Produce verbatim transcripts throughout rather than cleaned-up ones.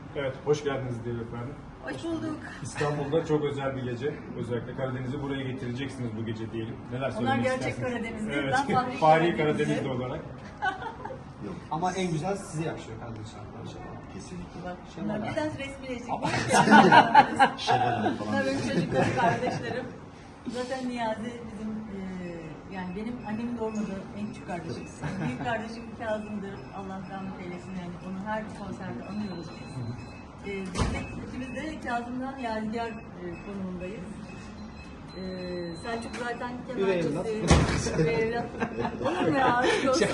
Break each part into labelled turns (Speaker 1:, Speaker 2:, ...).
Speaker 1: Evet, hoş geldiniz diyelim efendim.
Speaker 2: Hoş bulduk.
Speaker 1: İstanbul'da çok özel bir gece. Özellikle Karadeniz'i buraya getireceksiniz bu gece diyelim. Neler söylemek
Speaker 2: Onlar gerçek
Speaker 1: istersiniz?
Speaker 2: Karadenizli,
Speaker 1: Evet.
Speaker 2: ben Fahri
Speaker 1: Fahri
Speaker 2: Karadenizli.
Speaker 1: Karadenizli olarak.
Speaker 3: Yok,
Speaker 4: Ama en güzel size yakışıyor Karadeniz şarkıları şarkıları.
Speaker 3: kesinlikle.
Speaker 2: Bak,
Speaker 4: Şenol
Speaker 2: bunlar
Speaker 4: abi.
Speaker 2: biraz resmileşik.
Speaker 3: Şevval Hanım falan.
Speaker 2: Bunlar benim çocuklarım, kardeşlerim. Zaten Niyazi bizim, e, yani benim annemin doğurmadığı en küçük kardeşim. Büyük kardeşim Kazım'dır. Allah rahmet eylesin, yani onu her konserde anıyoruz biz. E, biz de, ikimiz de Kazım'dan yadigar e, konumundayız. E, Selçuk zaten
Speaker 4: Üvey
Speaker 2: kemençesi.
Speaker 4: evlat.
Speaker 2: Üvey evlat. Olur mu ya? Aşk olsun.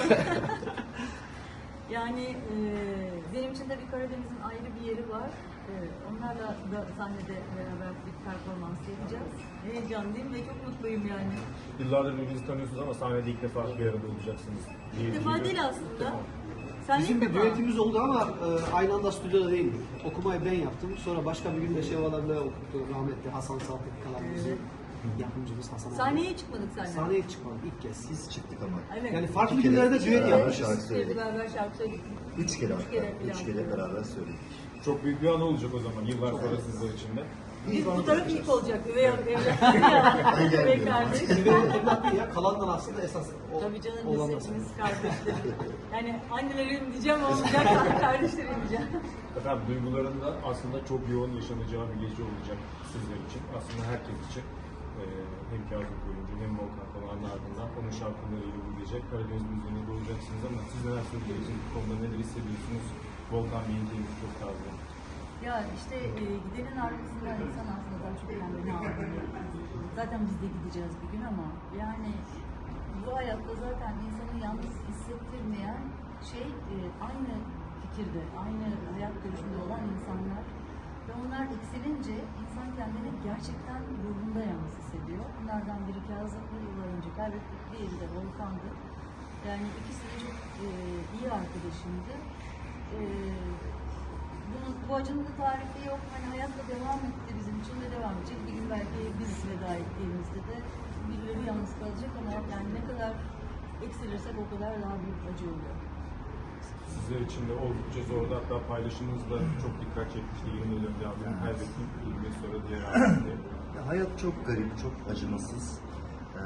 Speaker 2: Yani e, benim için de bir Karadeniz'in ayrı bir yeri var. E, onlarla da sahnede beraber bir performans yapacağız. Heyecanlıyım ve çok mutluyum yani.
Speaker 1: Yıllardır birbirinizi tanıyorsunuz ama sahnede ilk defa bir arada olacaksınız. diye
Speaker 2: İlk defa
Speaker 1: duyuyorum.
Speaker 2: değil aslında. Sen
Speaker 4: Bizim
Speaker 2: ilk
Speaker 4: bir
Speaker 2: defa.
Speaker 4: düetimiz oldu ama e, aynı anda stüdyoda değildik. Okumayı ben yaptım. Sonra başka bir gün de Şevval abiyle okuttu. Rahmetli Hasan Saltık kalan bizim
Speaker 2: Evet.
Speaker 4: yapımcımız Hasan abi.
Speaker 2: Sahneye çıkmadık seninle.
Speaker 4: Sahneye çıkmadık ilk kez.
Speaker 3: Biz çıktık ama.
Speaker 2: Evet.
Speaker 4: Yani farklı
Speaker 3: İki kere
Speaker 4: günlerde düet
Speaker 3: beraber
Speaker 4: yapmışız.
Speaker 3: şarkı
Speaker 2: Biz
Speaker 3: söyledik.
Speaker 2: beraber şarkı söyledik.
Speaker 3: Üç kere
Speaker 2: Üç
Speaker 3: hatta.
Speaker 2: kere
Speaker 3: Üç
Speaker 2: falan.
Speaker 3: kere beraber söyledik.
Speaker 1: Çok büyük bir an olacak o zaman yıllar sonra sizler için de.
Speaker 2: Biz bu taraf ilk olacak. Üvey evlat.
Speaker 3: Ben
Speaker 2: Üvey
Speaker 3: gelmiyorum.
Speaker 2: kardeş.
Speaker 4: Ve evlat değil ya, kalanlar aslında esas o,
Speaker 2: Tabii canım,
Speaker 4: olan
Speaker 2: biz
Speaker 4: nasıl?
Speaker 2: hepimiz kardeşlerim. Yani annelerim diyeceğim ama olacak, kardeşlerim diyeceğim.
Speaker 1: Efendim duyguların da aslında çok yoğun yaşanacağı bir gece olacak sizler için. Aslında herkes için. Ee, hem Kazım Koyuncu hem Volkan Konak'ın ardından onun şarkılarıyla bu gece Karadeniz müziğine doğacaksınız ama siz neler söyleyeceksiniz bu konuda, neler hissediyorsunuz? Volkan Bey'in keyfi çok taze.
Speaker 2: Ya işte e, gidenin arkasından insan aslında daha çok kendini ağlıyor. Zaten biz de gideceğiz bir gün ama yani bu hayatta zaten insanı yalnız hissettirmeyen şey e, aynı fikirde, aynı hayat görüşünde olan insanlar ve onlar eksilince insan kendini gerçekten ruhunda yalnız hissediyor. Bunlardan biri Kazım'ı yıllar önce kaybettik, diğeri de Volkan'dı. Yani ikisi de çok e, iyi arkadaşımdı. E, Bunun, bu acının da tarifi yok. Hani hayatla devam etti bizim için de devam edecek. Bir gün belki biz veda ettiğimizde de birileri yalnız kalacak ama yani ne kadar eksilirsek o kadar daha büyük acı oluyor.
Speaker 1: Sizler için de oldukça zordu. Hatta paylaşımınız da çok dikkat çekmişti. yirmi yıl önce abimi kaybettim. yirmi yıl sonra diğer abimdi.
Speaker 3: Ya, hayat çok garip, çok acımasız. Ee,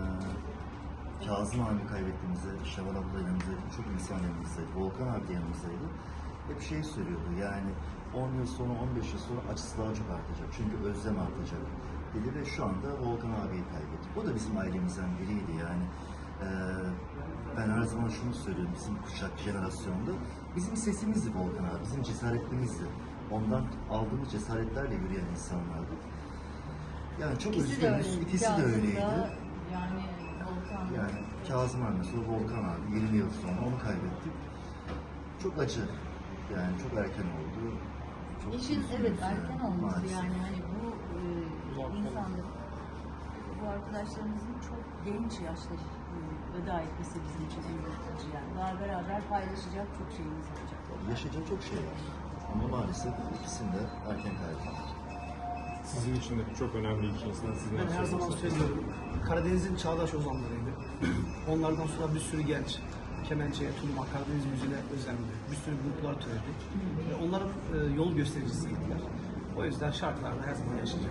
Speaker 3: Kazım abi kaybettiğimizde, Şevval abla yanımızdaydı, çok insan yanımızdaydı, Volkan abi de yanımızdaydı. Hep şey söylüyordu yani on yıl sonra, on beş yıl sonra acısı daha çok artacak. Çünkü özlem artacak dedi ve şu anda Volkan abiyi kaybettik. O da bizim ailemizden biriydi yani. Ee, ben her zaman şunu söylüyorum bizim kuşak jenerasyonda. Bizim sesimizdi Volkan abi, bizim cesaretimizdi. Ondan aldığımız cesaretlerle yürüyen insanlardı. Yani çok
Speaker 2: İkisi de
Speaker 3: üzgünüz.
Speaker 2: öyleydi.
Speaker 3: İkisi de
Speaker 2: Kazım da,
Speaker 3: öyleydi.
Speaker 2: Yani Volkan da.
Speaker 3: Yani Kazım abi sonra Volkan abi yirmi yıl sonra onu kaybettik. Çok acı. Yani çok erken oldu. Çok
Speaker 2: İşin
Speaker 3: üzgünüz
Speaker 2: evet
Speaker 3: yani,
Speaker 2: erken olması
Speaker 3: maalesef.
Speaker 2: yani hani bu e, insanların, bu arkadaşlarımızın çok genç yaşta e, veda etmesi bizim için en büyük acı yani. Daha beraber paylaşacak çok şeyimiz olacak.
Speaker 3: Yaşayacak çok şey var. Ama maalesef ikisini de erken kaybettik.
Speaker 1: Sizin için de çok önemli iki insan. Siz neler
Speaker 4: Ben her zaman
Speaker 1: söyleyeceksiniz?
Speaker 4: söylüyorum. Karadeniz'in çağdaş ozanlarıydı. Onlardan sonra bir sürü genç kemençeye, tuluma, Karadeniz müziğine özendi. Bir sürü gruplar türedi. Ve onların e, yol göstericisiydiler. O yüzden şarkılarda her zaman yaşayacak.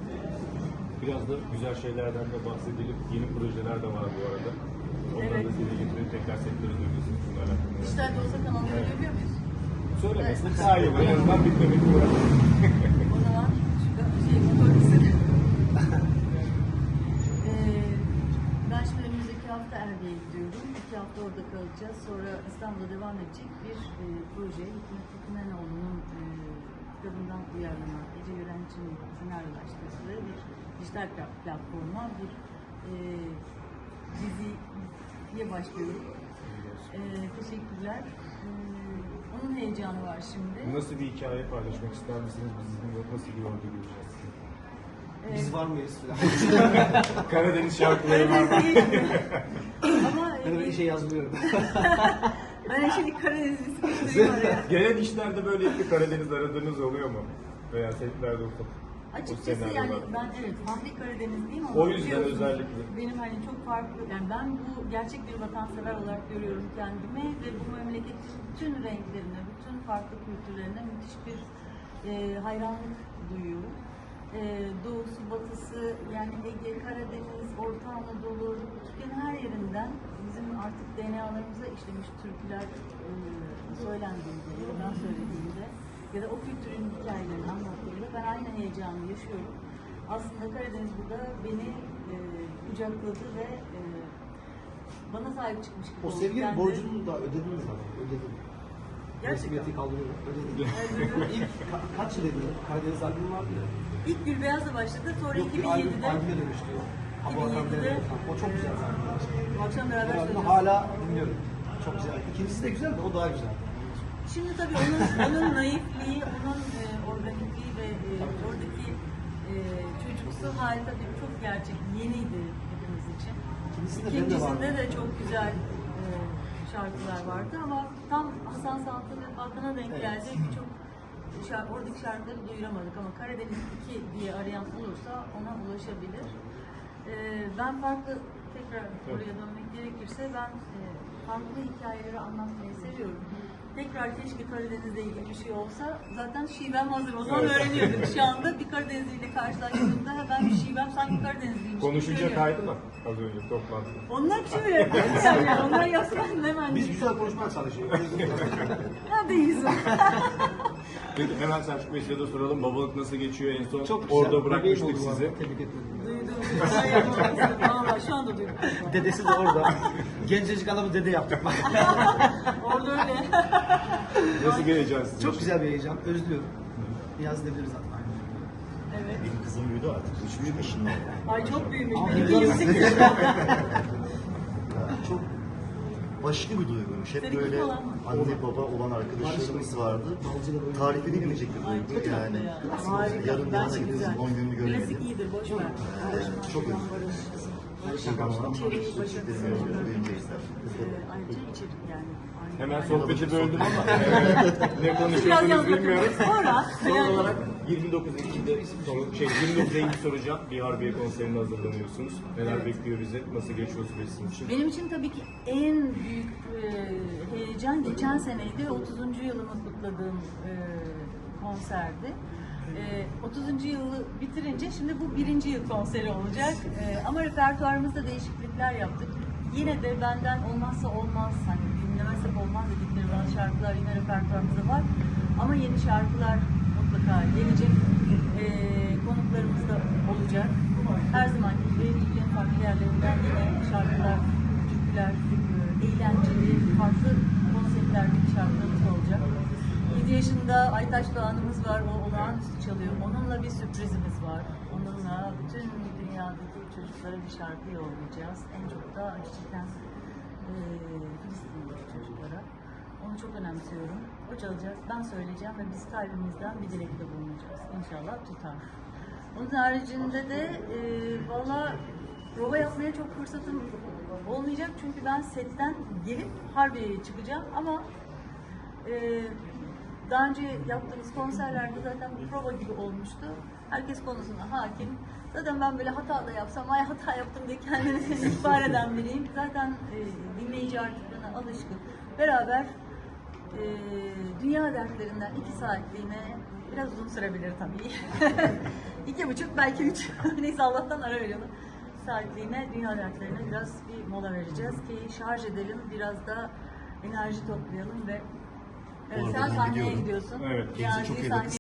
Speaker 1: Biraz da güzel şeylerden de bahsedelim. Yeni projeler de var bu arada. Onları
Speaker 2: Evet.
Speaker 1: da size getirip tekrar sektörü duyuyorsunuz. Bunlarla hakkında.
Speaker 2: Dijital de olsa kanalda görüyor muyuz?
Speaker 1: Söylemesek daha iyi olur. En azından bitmemek bu arada.
Speaker 2: O zaman şu şey motorlusun. ee, ben şimdi önümüzdeki hafta Erde'ye gidiyorum. İki hafta orada kalacağız. Sonra İstanbul'da devam edecek bir e, proje. Hikmet Hikmenoğlu'nun e, kitabından uyarlama, Ece Yüren için senaryolaştırdığı bir dijital platforma bir e, diziye başlıyorum. E, teşekkürler. E, onun heyecanı var şimdi.
Speaker 1: Nasıl bir hikaye paylaşmak ister misiniz? Biz sizinle nasıl bir yolda göreceğiz?
Speaker 4: Biz var mıyız?
Speaker 1: Karadeniz şarkıları var mı?
Speaker 2: Ama
Speaker 4: Ben öyle
Speaker 2: e,
Speaker 4: şey yazmıyorum.
Speaker 2: ben şimdi Karadeniz'i sıkıştırayım oraya.
Speaker 1: Genel işlerde böyle bir Karadeniz aradığınız oluyor mu? Veya setlerde ufak.
Speaker 2: Açıkçası
Speaker 1: o
Speaker 2: yani
Speaker 1: senaryolar.
Speaker 2: ben evet Fahri Karadenizliyim ama
Speaker 1: O yüzden
Speaker 2: biliyorsunuz,
Speaker 1: özellikle.
Speaker 2: benim hani çok farklı yani ben bu gerçek bir vatansever olarak görüyorum kendimi ve bu memleketin bütün renklerine, bütün farklı kültürlerine müthiş bir e, hayranlık duyuyorum. E, doğusu, batısı, yani Ege, Karadeniz, Orta Anadolu, Türkiye'nin her yerinden bizim artık D N A'larımıza işlemiş türküler e, söylendiğinde ya da ben söylediğimde ya da o kültürün hikayelerini anlattığımda ben aynı heyecanı yaşıyorum. Aslında Karadeniz burada beni e, kucakladı ve e, bana sahip çıkmış gibi
Speaker 4: O
Speaker 2: oldu.
Speaker 4: sevginin
Speaker 2: Kendi-
Speaker 4: borcunu da ödediniz ama. Ödedim.
Speaker 2: Gerçekten.
Speaker 4: Resmiyeti kaldırıyorum. Ödedim.
Speaker 2: Evet.
Speaker 4: İlk ka- kaç yıl edildi? Karadeniz albümü vardı ya.
Speaker 2: İlk Gülbeyaz'la başladı, sonra
Speaker 4: Yok, bir albüm,
Speaker 2: iki bin yedide
Speaker 4: albüme dönüştü. Hava
Speaker 2: iki bin
Speaker 4: Akan
Speaker 2: yedide
Speaker 4: Devlet. O çok güzel zaten.
Speaker 2: bu akşam beraber
Speaker 4: Ben
Speaker 2: söylüyoruz.
Speaker 4: hala dinliyorum. Çok güzel. İkincisi de güzel de o daha güzel.
Speaker 2: Şimdi tabii onun, onun naifliği, onun e, organikliği ve e, oradaki e, çocuksu hali tabii çok gerçek, yeniydi hepimiz için.
Speaker 4: İkincisinde ben de
Speaker 2: İkincisinde
Speaker 4: vardım.
Speaker 2: de çok güzel e, şarkılar vardı ama tam Hasan Saltı ve Hakan'a denk
Speaker 4: Evet.
Speaker 2: geldi. Birçok şarkı, oradaki şarkıları duyuramadık ama Karadeniz iki diye arayan olursa ona ulaşabilir. E, ben farklı, tekrar oraya dönmek gerekirse ben e, farklı hikayeleri anlatmayı seviyorum. Tekrar keşke Karadeniz'le ilgili bir şey olsa, zaten şivem hazır. O zaman
Speaker 1: Evet.
Speaker 2: öğreniyorduk. Şu anda bir Karadenizliyle karşılaştığımda hemen bir şivem sanki Karadenizliymiş. gibi
Speaker 1: Konuşunca
Speaker 2: görüyorum.
Speaker 1: kaydı mı az önce toplantıda?
Speaker 2: Onlar şöyle yani, onlar yapsan hemen.
Speaker 4: Biz güzel konuşmaya çalışıyoruz.
Speaker 2: Neredeyiz?
Speaker 1: Peki hemen Selçuk Bey size de soralım. Babalık nasıl geçiyor? En son
Speaker 4: Çok güzel.
Speaker 1: orada
Speaker 4: Bebeğim
Speaker 1: bırakmıştık
Speaker 4: oldu bu arada.
Speaker 1: sizi.
Speaker 4: Tebrik ederim.
Speaker 2: Duydum. Ben yapmak istedim. Valla şu anda duydum.
Speaker 4: Dedesi de orada. Gencecik adamı dede yaptık.
Speaker 2: Orada öyle.
Speaker 1: Nasıl geleceğiz sizin
Speaker 4: Çok
Speaker 1: için?
Speaker 4: güzel bir heyecan. Özlüyorum. Yaz edebiliriz zaten.
Speaker 2: Evet.
Speaker 3: Benim kızım büyüdü artık. Üç buçuk yaşında oldu.
Speaker 2: Ay çok büyümüş.
Speaker 4: Ama
Speaker 2: Benimki
Speaker 4: biraz-
Speaker 2: yüksek yaşında.
Speaker 3: Çok başka bir duyguymuş. Hep
Speaker 2: Seninki
Speaker 3: böyle
Speaker 2: olan mı?
Speaker 3: anne baba olan arkadaşlarımız vardı. Tarif edilemeyecek bir
Speaker 2: Ay
Speaker 3: duygu
Speaker 2: çok
Speaker 3: yani.
Speaker 2: tatlı ya. Harika.
Speaker 3: Yarın
Speaker 2: Bence
Speaker 3: yana
Speaker 2: güzel.
Speaker 3: gidiyorsun, on gününü göremedim.
Speaker 2: Klasik iyidir, boş ver.
Speaker 3: Ee, çok özledim. Şakalar,
Speaker 2: İçeriği başarılı.
Speaker 3: çocuklarımı duyunca izler.
Speaker 2: Ee, Ayrıca içerik yani. Aynı
Speaker 1: Hemen
Speaker 2: zamanda.
Speaker 1: sohbeti böldüm ama ne
Speaker 2: Biraz
Speaker 1: konuşuyorsunuz
Speaker 2: yalnız
Speaker 1: bilmiyorum.
Speaker 2: Sonra.
Speaker 1: Son
Speaker 2: yani-
Speaker 1: olarak yirmi dokuz Ekim'de soru, şey yirmi dokuz Eylül soracağım. Bir Harbiye konserine hazırlanıyorsunuz. Neler
Speaker 2: Evet.
Speaker 1: bekliyor bizi? Nasıl geçiyor süreç sizin için?
Speaker 2: Benim için tabii ki en büyük e, heyecan geçen seneydi. otuzuncu yılımı kutladığım e, konserdi. E, otuzuncu yılı bitirince şimdi bu birinci yıl konseri olacak. E, ama repertuarımızda değişiklikler yaptık. Yine de benden olmazsa olmaz, hani dinlemezsek olmaz dedikleri bazı şarkılar yine repertuarımızda var. Ama yeni şarkılar mutlaka gelecek. E, konuklarımız da olacak. Her zamanki gibi Türkiye'nin farklı yerlerinden yine şarkılar, türküler, e, eğlenceli, farklı konseptlerdeki şarkılarımız da olacak. yedi yaşında Aytaç Doğan'ımız var, o olağanüstü çalıyor. Onunla bir sürprizimiz var. Onunla bütün dünyadaki çocuklara bir şarkı yollayacağız. En çok da gerçekten e, Filistin'deki çocuklara. Onu çok önemsiyorum. O çalacak, ben söyleyeceğim ve biz kalbimizden bir dilekte bulunacağız. İnşallah tutar. Onun haricinde de e, valla prova yapmaya çok fırsatım olmayacak çünkü ben setten gelip Harbiye'ye çıkacağım ama e, daha önce yaptığımız konserlerde zaten bir prova gibi olmuştu. Herkes konusuna hakim. Zaten ben böyle hata da yapsam, ay hata yaptım diye kendini ihbar eden biriyim. Zaten e, dinleyici artık bana alışkın. Beraber e, dünya dertlerinden iki saatliğine, biraz uzun sürebilir tabii. İki buçuk, belki üç. Neyse Allah'tan ara veriyorum. Saatliğine, dünya dertlerine biraz bir mola vereceğiz ki şarj edelim, biraz da enerji toplayalım ve
Speaker 3: Bu
Speaker 2: evet,
Speaker 3: arada
Speaker 2: sen
Speaker 3: ben
Speaker 2: sahneye
Speaker 3: gidiyorum.
Speaker 2: gidiyorsun.
Speaker 1: Evet,
Speaker 3: kendinize çok iyi bakın.
Speaker 2: sahneye